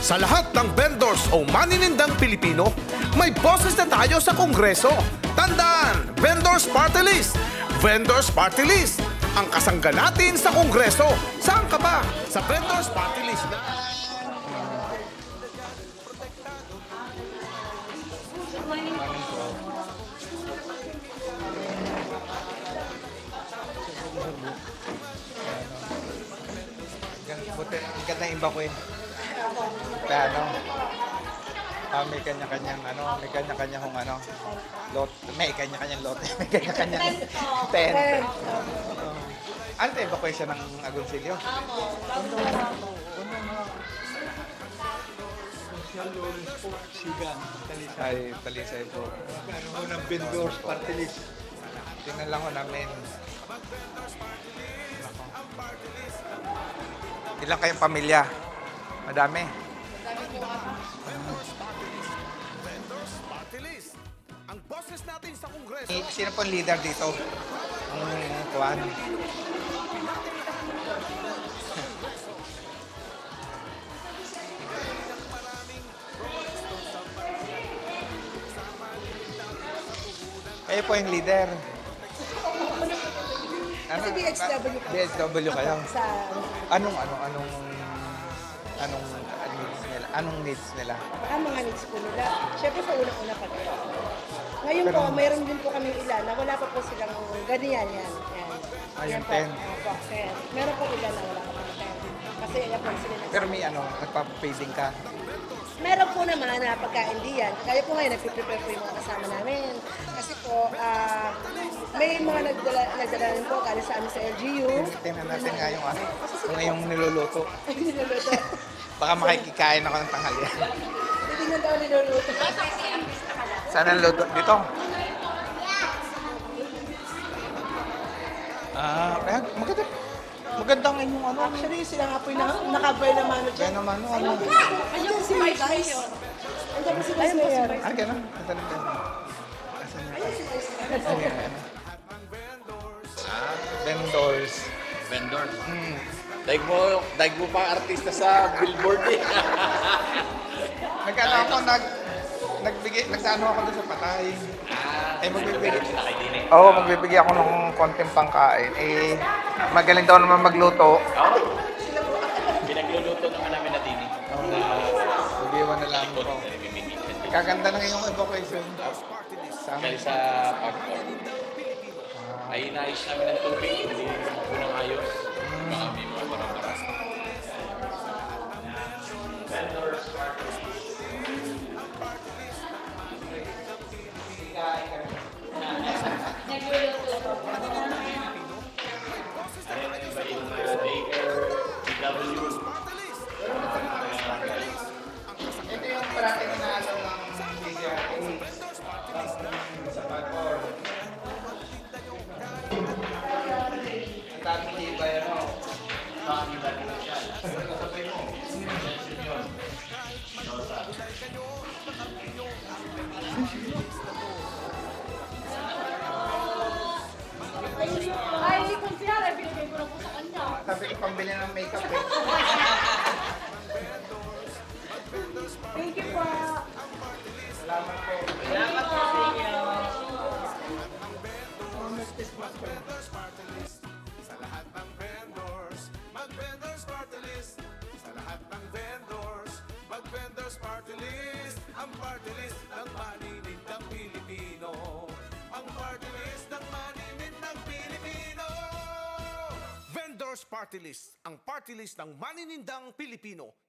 Sa lahat ng vendors o maninindang Pilipino, may boses na tayo sa Kongreso. Tandaan, Vendors Party List! Vendors Party List! Ang kasangga natin sa Kongreso. Saan ka ba? Sa Vendors Party List na... Buti, ang ganda yung iba ko yun. Kaya may kanya-kanyang may kanya-kanyang lot, may kanya-kanyang lot, may kanya-kanyang tent. Ano tayo evacuation ng Agoncillo? Ay, Talisay po. Ano ng vendors party list? Tingnan lang ko namin. Ilang kayong pamilya? Madami. Vendors Party List. Ang boses natin sa Kongreso. Sino po ang leader dito? Kuwan. Kayo po yung leader. Kasi DHW ka. DHW kayo. Sa Anong needs nila? Anong needs nila? ang mga needs po nila. Siyempre sa unang-una pa tayo. Ngayon po, mayroon din po kaming ilan na wala pa po silang ganyan yan. Yan. Yung po. 10. Opo, 10. Meron po ilan na wala pa po 10. Kasi yan po sila Pero may nagpapapaging ka. Meron po naman na pagkain di yan. Kaya po ngayon, nagpiprepare po yung mga kasama namin. Kasi po, may mga nagdala rin po galing sa amin sa LGU. Tingnan natin nga yung niluluto. Ay, niluluto. Baka makikikain ako ng tanghalian. Hindi na daw niluluto. Saan ang luto? Dito? Kaya magandang inyong Actually, sila nga po yung nakabay na mano dyan. Kaya naman, Andiyan si Vice Mayor. Andiyan po si Vice Mayor. Ganun. Asan yung ganun? Ayun si Vice Mayor. Asan yung vendors. Vendor. Daig mo pa artista sa billboard eh. Nag-ano ako, nagsano ako doon sa patay. Magbibigay ako ng konting pangkain. Magaling daw naman magluto. Pinagluluto naman namin na dini. Mag-iwan na lang ako. Kaganda ng iyong evacuation. Dahil sa pagkor. Ay inayos namin ng tubig, hindi unang ayos. Baka may mga barang-baras. Ito yung parating inaalaw ng DZRA sa pagkor. Ang daming libay, Sabay mo. Ay, hindi kong siyara. Binigay ko na po sa kanya. Sabi ko pambili ng makeup eh. Thank you po. Salamat po. Sa lahat ng vendors, mag-Vendors Party List. Sa lahat ng vendors, mag-Vendors Party List. Ang party list ng maninindang Pilipino. Ang party list ng maninindang Pilipino. Vendors Party List, ang party list ng maninindang Pilipino.